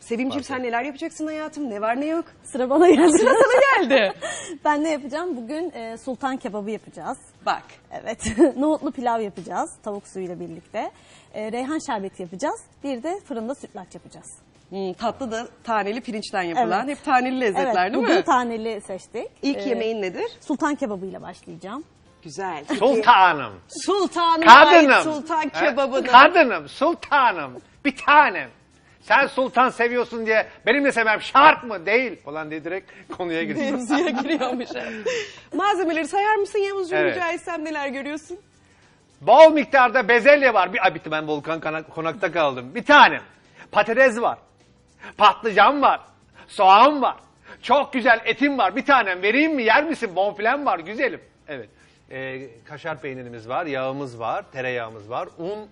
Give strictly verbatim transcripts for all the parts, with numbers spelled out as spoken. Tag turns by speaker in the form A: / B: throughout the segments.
A: Sevimciğim sen neler yapacaksın hayatım? Ne var ne yok?
B: Sıra bana geldi.
A: Sıra sana geldi.
B: Ben ne yapacağım? Bugün e, sultan kebabı yapacağız.
A: Bak.
B: Evet. Nohutlu pilav yapacağız tavuk suyuyla birlikte. E, reyhan şerbeti yapacağız. Bir de fırında sütlaç yapacağız.
A: Hmm, tatlı da taneli pirinçten yapılan.
B: Evet.
A: Hep taneli lezzetler
B: Evet,
A: değil
B: bugün
A: mi?
B: taneli seçtik.
A: İlk
B: E,
A: yemeğin nedir?
B: Sultan kebabıyla başlayacağım.
A: Güzel.
C: Sultanım.
A: Sultanım.
C: Kadınım.
A: Sultan
C: He?
A: kebabını.
C: Kadınım, sultanım, bir tanem. Sen sultan seviyorsun diye benim de sevmem şart mı? Değil falan diye direkt konuya giriyor.
A: Mevzuya giriyormuş. Malzemeleri sayar mısın Yavuzcuğum
C: Evet.
A: rica etsem neler görüyorsun?
C: Bol miktarda bezelye var. Bir, ay bitti ben Volkan Kana- konakta kaldım. Bir tanem. Patates var. Patlıcan var. Soğan var. Çok güzel etim var. Bir tanem vereyim mi? Yer misin? Bonfilem var. Güzelim. Evet. Ee, kaşar peynirimiz var. Yağımız var. Tereyağımız var. Un,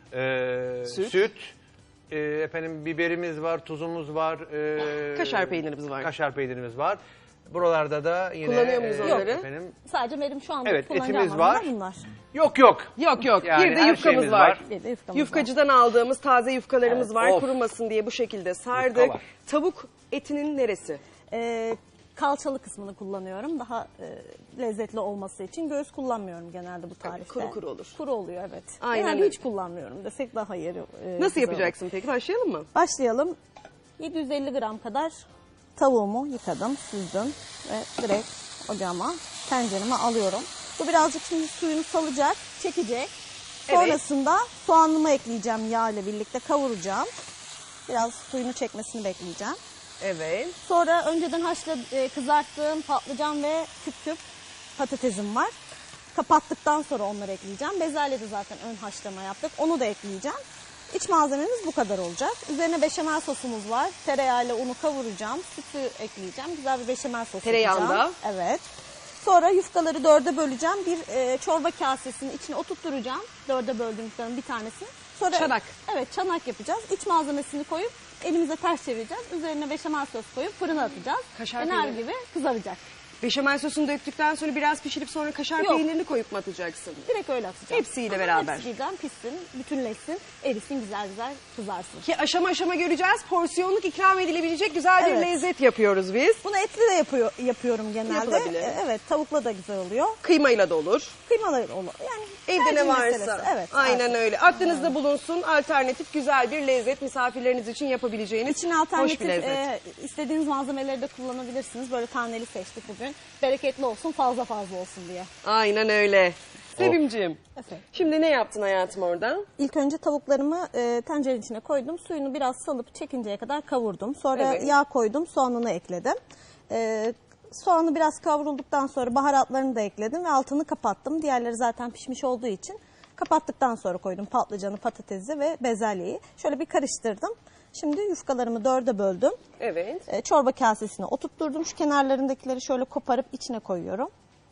C: e,
A: Süt.
C: süt. e, efendim biberimiz var. Tuzumuz var. e,
A: Kaşar peynirimiz var.
C: Kaşar peynirimiz var. Buralarda da yine...
A: Kullanıyor muyuz
C: e,
A: onları?
C: Efendim,
B: Sadece benim şu anda
C: Evet,
B: kullanacağım
C: etimiz
B: malzemeler
C: var.
B: bunlar.
C: yok yok.
A: Yok yok.
C: Yani
A: bir de
C: her
A: yufkamız
C: şeyimiz
A: var.
C: var.
B: Bir de yufkamız
A: Yufkacıdan aldığımız taze yufkalarımız
B: Evet.
A: var.
C: Of.
A: Kurumasın diye bu şekilde sardık.
C: Yufka var.
A: Tavuk etinin neresi?
B: Ee, kalçalı kısmını kullanıyorum. Daha e, lezzetli olması için. Göğüs kullanmıyorum genelde bu tarifte.
A: kuru kuru olur.
B: Kuru oluyor evet.
A: Aynen
B: Genelde
A: öyle.
B: hiç kullanmıyorum desek daha yeri. e,
A: Nasıl
B: güzel
A: yapacaksın peki? Başlayalım mı?
B: olur. Başlayalım. yedi yüz elli gram kadar tavuğumu yıkadım, süzdüm ve direkt ocağıma, tencereme alıyorum. Bu birazcık şimdi suyunu salacak, çekecek. Sonrasında soğanımı ekleyeceğim yağ ile birlikte kavuracağım. Biraz suyunu çekmesini bekleyeceğim.
A: Evet.
B: Sonra önceden haşla e, kızarttığım patlıcan ve küp küp patatesim var. Kapattıktan sonra onları ekleyeceğim. Bezelye de zaten ön haşlama yaptık. Onu da ekleyeceğim. İç malzememiz bu kadar olacak. Üzerine beşamel sosumuz var. Tereyağıyla unu kavuracağım. Sütü ekleyeceğim. Güzel bir beşamel sos
A: Tereyağında.
B: yapacağım. Evet. Sonra yufkaları dörde böleceğim. Bir e, çorba kasesinin içine oturtturacağım. Dörde böldüğüm yufkanın bir tanesini. Sonra,
A: Çanak.
B: Evet, çanak yapacağız. İç malzemesini koyup elimize ters çevireceğiz. Üzerine beşamel sos koyup fırına atacağız.
A: Kaşar
B: Ener
A: peyniri.
B: gibi kızaracak.
A: Beşamel sosunu döktükten sonra biraz pişirip sonra kaşar
B: Yok.
A: peynirini koyup mu atacaksın?
B: Direkt öyle atacağım.
A: Hepsiyle
B: Aha,
A: beraber.
B: Hepsi birden pişsin, bütünleşsin, erisin, güzel güzel kızarsın.
A: Ki aşama aşama göreceğiz. Porsiyonluk ikram edilebilecek güzel bir
B: Evet.
A: lezzet yapıyoruz biz.
B: Bunu etli de yapıyor, yapıyorum genelde.
A: Yapılabilir.
B: E, Evet, tavukla da güzel oluyor.
A: Kıymayla da olur.
B: Kıymalı olur. Yani
A: Evde ne
B: tercih
A: varsa.
B: meselesi. Evet.
A: Aynen
B: evet.
A: öyle. Aklınızda bulunsun. Alternatif güzel bir lezzet misafirleriniz için yapabileceğiniz
B: İçine
A: hoş
B: alternatif
A: bir lezzet.
B: e, istediğiniz malzemeleri de kullanabilirsiniz. Böyle taneli seçtik bugün. Bereketli olsun, fazla fazla olsun diye.
A: Aynen öyle. Sevimciğim.
B: Efendim.
A: Şimdi ne yaptın hayatım orada?
B: İlk önce tavuklarımı e, tencerenin içine koydum. Suyunu biraz salıp çekinceye kadar kavurdum. Sonra
A: Evet.
B: yağ koydum, soğanını ekledim. E, soğanı biraz kavrulduktan sonra baharatlarını da ekledim ve altını kapattım. Diğerleri zaten pişmiş olduğu için kapattıktan sonra koydum patlıcanı, patatesi ve bezelyeyi. Şöyle bir karıştırdım. Şimdi yufkalarımı dörde böldüm.
A: Evet.
B: E, çorba kasesine oturtturdum. Şu kenarlarındakileri şöyle koparıp içine koyuyorum.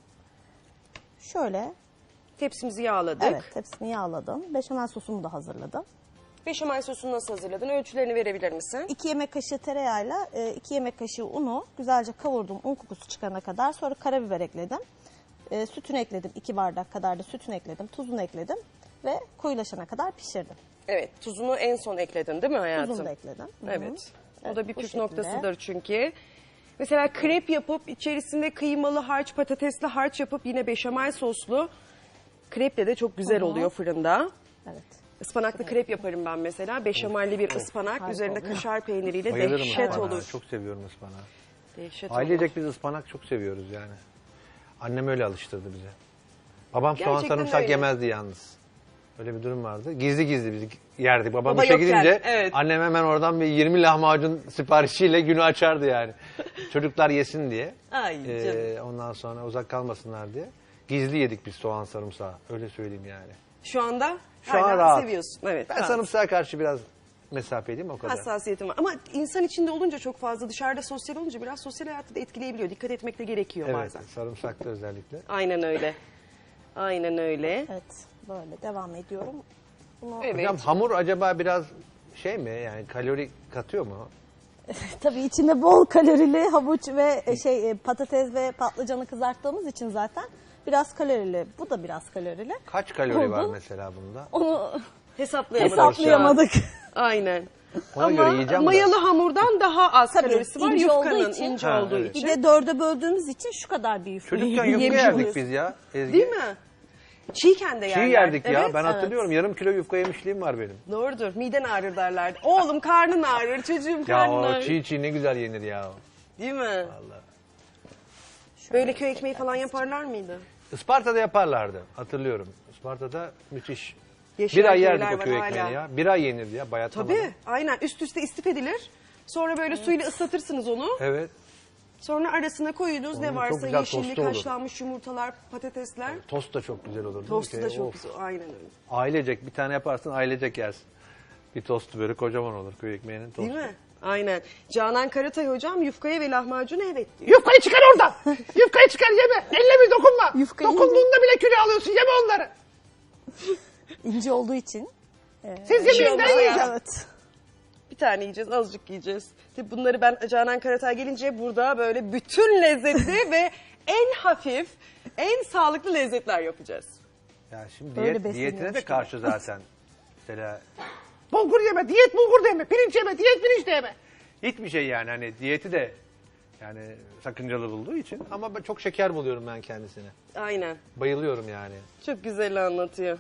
B: Şöyle.
A: Tepsimizi yağladık.
B: Evet, hepsini yağladım. Beşamel sosumu da hazırladım.
A: Beşamel sosunu nasıl hazırladın? Ölçülerini verebilir misin?
B: iki yemek kaşığı tereyağıyla iki yemek kaşığı unu güzelce kavurdum un kokusu çıkana kadar. Sonra karabiber ekledim. E, sütünü ekledim. iki bardak kadar da sütünü ekledim. Tuzunu ekledim. Ve koyulaşana kadar pişirdim.
A: Evet. Tuzunu en son ekledin değil mi hayatım?
B: Tuzunu da ekledim. Hı hı.
A: Evet. O
B: Evet,
A: da bir
B: bu
A: püf
B: şekilde.
A: noktasıdır çünkü. Mesela krep yapıp içerisinde kıymalı harç, patatesli harç yapıp yine beşamel soslu kreple de çok güzel
B: Hı hı.
A: oluyor fırında.
B: Evet.
A: Ispanaklı krep yaparım ben mesela. Beşamelli bir ıspanak.
B: harika
A: Üzerinde
B: oluyor.
A: kaşar peyniriyle
C: Bayılırım
A: dehşet
C: ıspanağa.
A: olur.
C: Çok seviyorum ıspanağı.
A: Dehşet olur.
C: Ailecek biz ıspanak çok seviyoruz yani. Annem öyle alıştırdı bize. Babam soğan
A: Gerçekten
C: sarımsak
A: öyle.
C: yemezdi yalnız. Öyle bir durum vardı. Gizli gizli biz yerdik. Babam
A: Baba
C: işe
A: yokken,
C: gidince
A: evet.
C: annem hemen oradan bir yirmi lahmacun siparişiyle günü açardı yani. Çocuklar yesin diye.
A: Ay
C: Ee,
A: canım.
C: ondan sonra uzak kalmasınlar diye. Gizli yedik biz soğan sarımsağı. Öyle söyleyeyim yani.
A: Şu anda
C: Şu
A: hala
C: an rahat.
A: seviyorsun. Evet.
C: Ben
A: rahat.
C: sarımsağa karşı biraz mesafeliyim o kadar.
A: Hassasiyetim var. Ama insan içinde olunca çok fazla, dışarıda sosyal olunca biraz sosyal hayatı da etkileyebiliyor. Dikkat etmek de gerekiyor
C: Evet,
A: bazen.
C: sarımsaklı özellikle.
A: Aynen öyle. Aynen öyle.
B: Evet. Böyle devam ediyorum. Bunu
A: Evet.
C: Hocam hamur acaba biraz şey mi yani kalori katıyor mu?
B: tabii içinde bol kalorili havuç ve e, şey e, patates ve patlıcanı kızarttığımız için zaten biraz kalorili. Bu da biraz kalorili.
C: Kaç kalori var
B: Oldu.
C: mesela bunda?
B: Onu
A: Hesaplayamadık.
B: hesaplayamadık.
A: Aynen.
C: Ona
A: Ama
C: göre yiyeceğim
A: mayalı
C: de.
A: hamurdan daha az
B: Tabii,
A: kalorisi var.
B: ince olduğu
A: Yufkanın
B: için.
A: ince
C: Ha,
A: olduğu
C: evet.
A: için.
B: Bir de dörde böldüğümüz için şu kadar bir yufka
C: Çocukken yufka
B: yemiş
C: yerdik
B: oluyoruz.
C: biz ya Ezgi.
A: Değil mi? Çiğken de
C: Çiğ
A: yerler.
C: yerdik ya.
A: Evet,
C: Ben
B: evet.
C: hatırlıyorum. Yarım kilo yufka yemişliğim var benim.
A: Doğrudur. Miden ağrır derlerdi. Oğlum karnın ağrır, çocuğum
C: Ya
A: karnın
C: o
A: ağrır.
C: çiğ çiğ ne güzel yenir ya.
A: Değil mi?
C: Vallahi.
A: Böyle köy ekmeği falan yaparlar mıydı?
C: Isparta'da yaparlardı. Hatırlıyorum. Isparta'da müthiş.
A: Yeşil
C: Bir ay
A: köyler
C: yerdik o
A: var
C: köy
A: hala.
C: ekmeğini ya. Bir ay yenirdi ya bayatlamadan.
A: Tabii. Aynen. Üst üste istif edilir. Sonra böyle suyla ıslatırsınız onu.
C: Evet.
A: Sonra arasına koyunuz ne
C: Onun çok
A: varsa
C: güzel
A: yeşillik,
C: tostu olur.
A: haşlanmış yumurtalar, patatesler.
C: Tost da çok güzel olur.
A: Tostu da
C: Şey,
A: çok
C: of.
A: güzel. Aynen öyle.
C: Ailecek bir tane yaparsın ailecek yersin. Bir tostu böyle kocaman olur köy ekmeğinin tostu.
A: Değil mi? Aynen. Canan Karatay hocam yufkaya ve lahmacuna evet diyor.
C: Yufkayı çıkar oradan. Yufkayı çıkar yeme. Elle bir dokunma.
B: Yufkayı
C: Dokunduğunda bile kilo alıyorsun. Yeme onları.
B: İnce olduğu için.
C: Siz
A: şey
C: yemeyin
A: olmaz
C: ben
A: ya.
C: yiyeceğim.
B: Evet.
A: Bir tane yiyeceğiz, azıcık yiyeceğiz. Tabii bunları ben Canan Karatay gelince burada böyle bütün lezzetli ve en hafif, en sağlıklı lezzetler yapacağız.
C: Ya şimdi
B: Öyle
C: diyet,
B: besleniyormuş
C: diyetine de
B: gibi.
C: karşı zaten. Mesela bulgur yeme, diyet bulgur da yeme, pirinç yeme, diyet pirinç de yeme. Hiçbir şey yani hani diyeti de yani sakıncalı bulduğu için ama ben çok şeker buluyorum ben kendisine.
A: Aynen.
C: Bayılıyorum yani.
A: Çok güzel anlatıyor.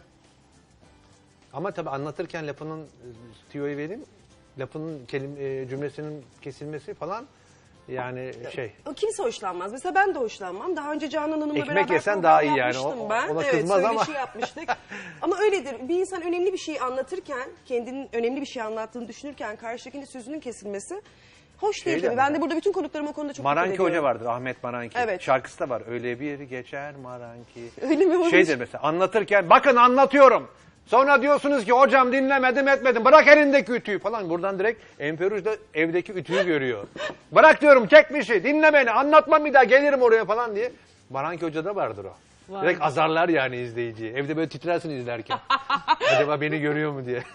C: Ama tabii anlatırken lafının e, tüyoyu vereyim. Lafının kelim, e, cümlesinin kesilmesi falan yani şey.
A: O kimse hoşlanmaz. Mesela ben de hoşlanmam. Daha önce Canan Hanım'la
C: Ekmek
A: beraber
C: yesen
A: program
C: daha iyi yani.
A: yapmıştım
C: O-
A: ben.
C: ona
A: Evet,
C: kızmaz ama.
A: söyleşi yapmıştık. Ama öyledir. Bir insan önemli bir şeyi anlatırken, kendinin önemli bir şey anlattığını düşünürken karşıdakinin sözünün kesilmesi hoş değil
C: Şey de
A: tabii. Ben
C: ama-
A: de burada bütün konuklarıma o konuda çok dikkat
C: Maranki
A: ediyorum.
C: Hoca vardır, Ahmet Maranki.
A: Evet.
C: Şarkısı da var. Öyle bir geçer Maranki.
A: Öyle mi olmuş?
C: Şeydir mesela anlatırken bakın anlatıyorum. Sonra diyorsunuz ki hocam dinlemedim etmedim. Bırak elindeki ütüyü falan. Buradan direkt Enferuj da evdeki ütüyü görüyor. Bırak diyorum çekmişi dinle beni anlatmam bir daha gelirim oraya falan diye. Maranki Hoca da vardır o.
A: Var.
C: Direkt azarlar yani izleyiciyi. Evde böyle titrersin izlerken. Acaba beni görüyor mu diye.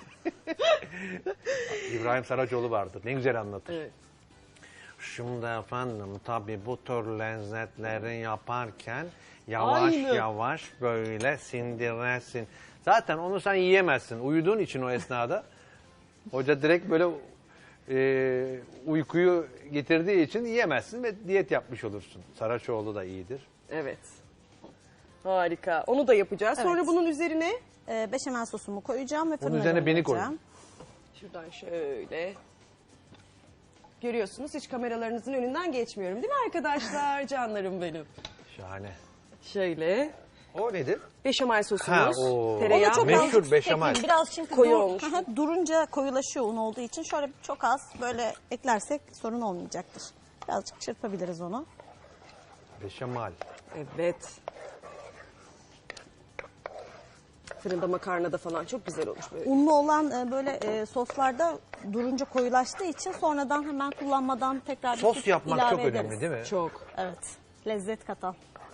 C: İbrahim Saracoğlu vardır. Ne güzel anlatır.
A: Evet.
C: Şimdi efendim tabii bu tür lezzetleri yaparken yavaş
A: Aynı.
C: yavaş böyle sindiresin. Zaten onu sen yiyemezsin. Uyuduğun için o esnada. Hoca direkt böyle e, uykuyu getirdiği için yiyemezsin ve diyet yapmış olursun. Saraçoğlu da iyidir.
A: Evet. Harika. Onu da yapacağız. Sonra
B: Evet.
A: bunun üzerine
B: Ee, beşamel sosumu koyacağım ve fırına
C: üzerine beni
B: göndereceğim.
A: şuradan şöyle görüyorsunuz hiç kameralarınızın önünden geçmiyorum değil mi arkadaşlar? Canlarım benim.
C: Şahane.
A: Şöyle
C: O nedir?
A: beşamel
C: Ha,
A: sosumuz,
C: o.
A: tereyağı.
B: Onu çok
C: Meşhur
B: az
C: beşamel.
B: ekleyin. Biraz çünkü
A: Koyu
B: dur-
A: olmuş.
B: Hı hı, durunca koyulaşıyor un olduğu için şöyle çok az böyle eklersek sorun olmayacaktır. Birazcık çırpabiliriz onu.
C: Beşamel.
A: Evet. Fırında makarnada falan çok güzel olmuş böyle.
B: Unlu olan e, böyle e, soslarda durunca koyulaştığı için sonradan hemen kullanmadan tekrar bir
C: Sos
B: süt
C: yapmak
B: ilave
C: çok
B: ederiz.
C: önemli değil mi?
A: Çok.
B: Evet. Lezzet katan.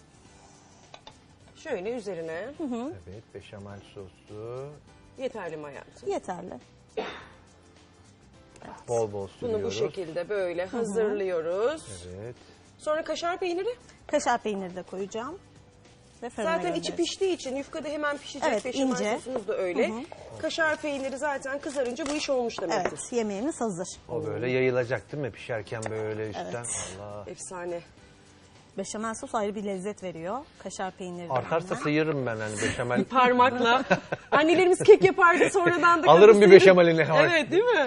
A: Şöyle üzerine
C: Evet, beşamel sosu.
A: yeterli mi hayatım?
B: Yeterli.
C: Bol bol
A: Bunu
C: sürüyoruz.
A: bu şekilde böyle hazırlıyoruz.
C: Evet.
A: Sonra kaşar peyniri.
B: Kaşar peyniri de koyacağım. Ve fırına
A: Zaten içi
B: göndereceğiz.
A: piştiği için yufka da hemen pişecek.
B: Evet,
A: Beşamel
B: ince.
A: sosumuz da öyle. Kaşar peyniri zaten kızarınca bu iş olmuş demektir.
B: Evet, yemeğimiz hazır.
C: O böyle yayılacak değil mi? Pişerken böyle üstten.
B: Evet.
C: Allah.
A: Efsane.
B: Beşamel sos ayrı bir lezzet veriyor. Kaşar peyniri de
C: Artarsa
B: aynen.
C: sıyırırım ben hani beşamel.
A: Parmakla. Annelerimiz kek yapardı sonradan da.
C: Alırım bir
A: kapısını-
C: beşamelini.
A: Evet değil mi?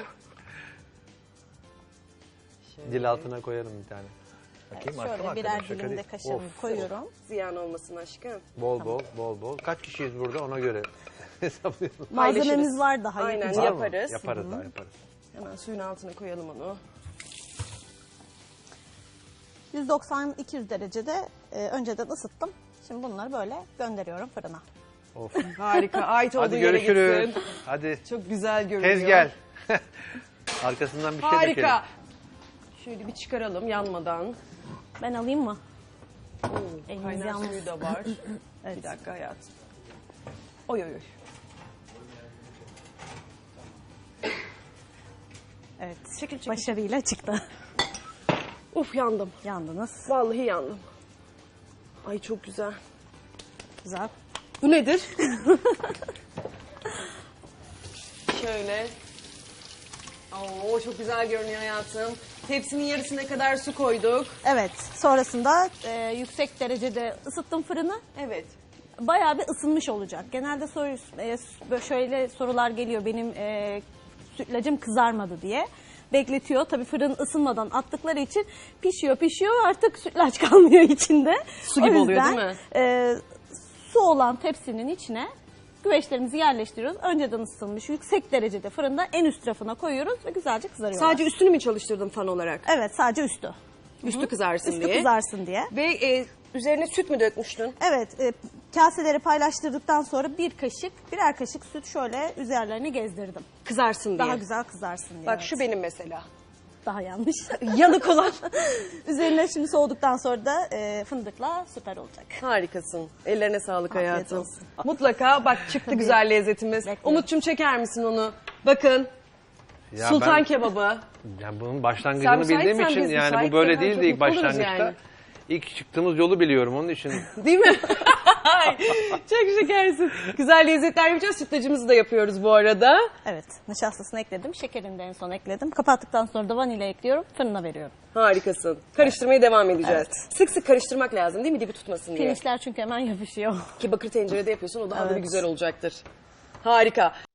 C: Dil altına koyarım bir tane. Bakayım
B: Şöyle
C: aşkım
B: birer
C: hakikaten şaka
B: dilim de
C: değil.
B: kaşarımı
C: Of.
B: koyuyorum.
A: Ziyan olmasın aşkım.
C: Bol bol bol bol. Kaç kişiyiz burada ona göre hesaplayalım.
B: Malzememiz
A: Paylaşırız.
B: var daha
A: Aynen,
B: yapacak.
C: Var mı?
A: yaparız.
C: Yaparız daha yaparız.
A: Hemen suyun altına koyalım onu.
B: yüz doksan iki yüz derecede e, önceden ısıttım. Şimdi bunları böyle gönderiyorum fırına.
C: Of.
A: Harika. Ait olduğu
C: Hadi
A: yere
C: görüşürüz.
A: gitsin.
C: Hadi.
A: Çok güzel görünüyor.
C: Tez gel. Arkasından bir şey dökelim.
A: Harika. Şöyle bir çıkaralım yanmadan.
B: Ben alayım mı?
A: Oo,
B: Eliniz
A: kaynar
B: yalnız.
A: suyu da var.
B: Evet.
A: Bir dakika hayatım. Oy oy oy.
B: Evet.
A: Çekil, çekil.
B: Başarıyla çıktı.
A: Uf yandım.
B: Yandınız.
A: Vallahi yandım. Ay çok güzel.
B: Güzel.
A: Bu nedir? Şöyle. Oo, çok güzel görünüyor hayatım. Tepsinin yarısına kadar su koyduk.
B: Evet. Sonrasında e, yüksek derecede ısıttım fırını.
A: Evet.
B: Bayağı bir ısınmış olacak. Genelde soru, e, böyle şöyle sorular geliyor, benim e, sütlacım kızarmadı diye. Bekletiyor. Tabii fırın ısınmadan attıkları için pişiyor pişiyor artık sütlaç kalmıyor içinde.
A: Su gibi
B: O
A: oluyor,
B: yüzden,
A: değil mi?
B: e, su olan tepsinin içine güveçlerimizi yerleştiriyoruz. Önceden ısıtılmış yüksek derecede fırında en üst rafına koyuyoruz ve güzelce kızarıyorlar.
A: Sadece üstünü mü çalıştırdın fan olarak?
B: Evet, sadece üstü.
A: Üstü kızarsın
B: Üstü
A: diye.
B: kızarsın diye.
A: Ve e, üzerine süt mü dökmüştün?
B: Evet, e, kaseleri paylaştırdıktan sonra bir kaşık, birer kaşık süt şöyle üzerlerine gezdirdim.
A: Kızarsın diye.
B: Daha güzel kızarsın diye.
A: Bak
B: evet.
A: şu benim mesela.
B: Daha yanlış.
A: Yanık olan.
B: Üzerine şimdi soğuduktan sonra da e, fındıkla süper olacak.
A: Harikasın. Ellerine sağlık
B: Afiyet
A: hayatım.
B: olsun.
A: Mutlaka bak çıktı güzel lezzetimiz.
B: Bekliyorum.
A: Umut'cum çeker misin onu? Bakın.
C: Ya
A: Sultan
C: ben-
A: kebabı.
C: Yani bunun
A: Sen
C: başlangıcını
A: müsaitsen
C: bildiğim için
A: biz
C: yani bu
A: müsait
C: böyle
A: zaten
C: değildi
A: çok
C: ilk
A: mutlu oluruz
C: başlangıçta.
A: yani.
C: İlk çıktığımız yolu biliyorum onun için.
A: Değil mi? Ay, çok şekersin. Güzel lezzetler yapacağız. Sütlacımızı da yapıyoruz bu arada.
B: Evet, nişastasını ekledim, şekerini de en son ekledim. Kapattıktan sonra da vanilya ekliyorum, fırına veriyorum.
A: Harikasın. Karıştırmaya devam edeceğiz. Sık sık karıştırmak lazım değil mi? Dibi tutmasın diye.
B: Pirinçler çünkü hemen yapışıyor.
A: Ki bakır tencerede yapıyorsun o daha da bir
B: Evet.
A: güzel olacaktır. Harika.